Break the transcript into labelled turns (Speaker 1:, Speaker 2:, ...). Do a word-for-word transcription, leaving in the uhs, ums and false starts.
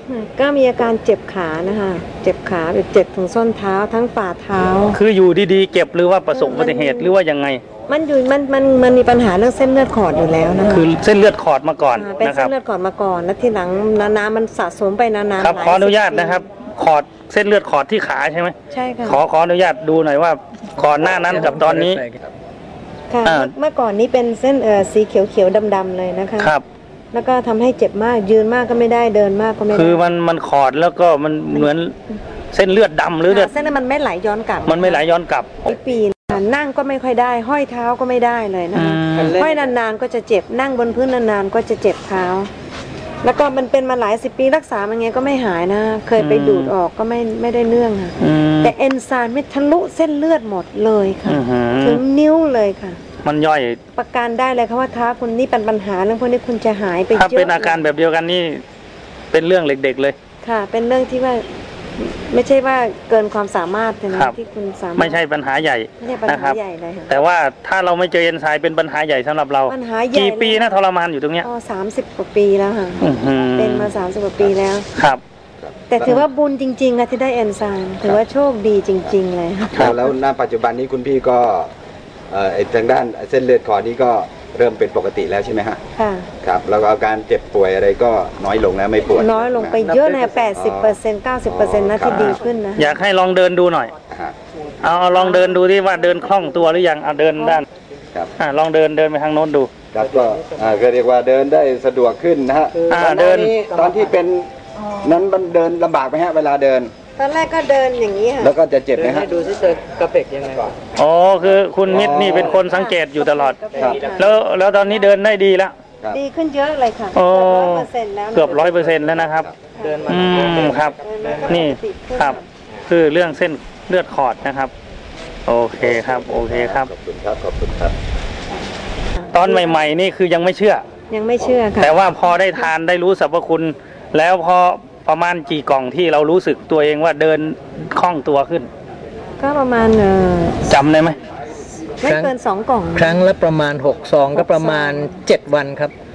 Speaker 1: ก็มีอาการเจ็บขานะคะเจ็บขาแบบเจ็บถึงส้นเท้าทั้งฝ่าเท้า
Speaker 2: คืออยู่ดีๆเจ็บหรือว่าประสบอุบัติเหตุหรือว่ายังไง
Speaker 1: มันอยู่มันมันมันมีปัญหาเรื่องเส้นเลือดขอดอยู่แล้วนะคะ
Speaker 2: คือเส้นเลือดขอดมาก่อน
Speaker 1: เป็น
Speaker 2: นะครับ
Speaker 1: เส้นเลือดขอดมาก่อนแล้วทีหลังน้ำมันสะสมไปนานๆ
Speaker 2: ครับขออนุญาตนะครับขอดเส้นเลือดขอดที่ขาใช่ไหม
Speaker 1: ใช่ค่ะ
Speaker 2: ขอขออนุญาตดูหน่อยว่าก่อนหน้านั้นกับตอนนี้
Speaker 1: ค่ะเมื่อก่อนนี้เป็นเส้นเอ่อสีเขียวๆดำๆเลยนะคะ
Speaker 2: ครับ
Speaker 1: แล้วก็ทำให้เจ็บมากยืนมากก็ไม่ได้เดินมากก็ไม่ได้
Speaker 2: คือมันมันขอดแล้วก็มันเหมือนเส้นเลือดดำหรือเลือด
Speaker 1: เส้นนั้นมันไม่ไหลย้อนกลับ
Speaker 2: มันไม่ไหลย้อนกลับ
Speaker 1: ปีนั่งก็ไม่ค่อยได้ห้อยเท้าก็ไม่ได้เลยนะคะห้อยนานๆก็จะเจ็บนั่งบนพื้นนานๆก็จะเจ็บเท้าแล้วก็มันเป็นมาหลายสิบปีรักษามันไงก็ไม่หายนะเคยไปดูดออกก็ไม่ไม่ได้เนื่องค่ะแต่เอนไซม์ไม่ทะลุเส้นเลือดหมดเลยค่ะถึงนิ้วเลยค่ะ
Speaker 2: มันย่อย
Speaker 1: ประกันได้เลยค่ะว่าเท้าคุณนี่เป็นปัญหาเรื่องพวกนี้คุณจะหายไปเยอะ
Speaker 2: ถ้าเป็นอาการแบบเดียวกันนี่เป็นเรื่องเด็กๆเลย
Speaker 1: ค่ะเป็นเรื่องที่ว่าไม่ใช่ว่าเกินความสามารถนะที่คุณสามารถ
Speaker 2: ไม่ใช่ปัญหาใหญ่
Speaker 1: ไม่ใช่ปัญหาใหญ่เลยค่ะ
Speaker 2: แต่ว่าถ้าเราไม่เจอเอนไซม์เป็นปัญหาใหญ่สำหรับเรา
Speaker 1: ปัญหาใหญ่
Speaker 2: กี่ปีนะทรมานอยู่ตรงเนี้ย
Speaker 1: อ๋อสามสิบกว่าปีแล้วค่ะเป็นมาสามสิบกว่าปีแล้ว
Speaker 2: ครับ
Speaker 1: แต่ถือว่าบุญจริงๆค่ะที่ได้เอนไซม์ถือว่าโชคดีจริงๆเลย
Speaker 3: ค่ะแล้วณปัจจุบันนี้คุณพี่ก็เอ่อทางด้านเส้นเลือดขอดนี้ก็เริ่มเป็นปกติแล้วใช่ไหมฮะ
Speaker 1: ค่ะ
Speaker 3: ครับแล้วก็อาการเจ็บป่วยอะไรก็น้อยลงแล้วไม่ปวด
Speaker 1: น้อยลงไปเยอะนะแปดสิบเปอร์เซ็นต์เก้าสิบเปอร์เซ็นต์นะที่ดีขึ้นนะ
Speaker 2: อยากให้ลองเดินดูหน่อยเอาเอาลองเดินดูที่ว่าเดินคล่องตัวหรือยังเอาเดินด้าน
Speaker 3: ครับ
Speaker 2: อ่าลองเดินเดินไปทางโน้นดู
Speaker 3: ครับก็อ่าก็เรียกว่าเดินได้สะดวกขึ้นนะฮะ
Speaker 2: อ่าเดิน
Speaker 3: ตอนที่เป็นนั้นมันเดินลำบากไหมฮะเวลาเดิน
Speaker 1: ตอนแรกก็เดินอย่างนี้ค่ะ
Speaker 3: แล้วก็จะเจ็บไหมฮะ
Speaker 4: ดูซิเจอกระเพกยังไงก่อน
Speaker 2: อ๋อคือคุณมิตรนี่เป็นคนสังเกตอยู่ตลอดแล้วแล้วตอนนี้เดินได้ดีแล้ว
Speaker 1: ดีขึ้นเยอะเลยค่ะ
Speaker 2: เกือบร้อย
Speaker 1: เปอร์เซ็นต์แล้ว
Speaker 2: เกือบร้อยเปอร์เซ็นต์แล้วนะครับ
Speaker 4: เดินมา
Speaker 2: อืมครับนี่ครับคือเรื่องเส้นเลือดขอดนะครับโอเคครับโอเคครับ
Speaker 3: ขอบคุณครับขอบคุณครับ
Speaker 2: ตอนใหม่ๆนี่คือยังไม่เชื่อ
Speaker 1: ยังไม่เชื่อค่ะ
Speaker 2: แต่ว่าพอได้ทานได้รู้สรรพคุณแล้วพอประมาณกี่กล่องที่เรารู้สึกตัวเองว่าเดินคล่องตัวขึ้น
Speaker 1: ก็ประมาณเออ
Speaker 2: จำได้ไหม
Speaker 1: ไม่เกินสองกล่อง
Speaker 4: ครั้งละประมาณหกซองก็ประมาณเจ็ดวันครับ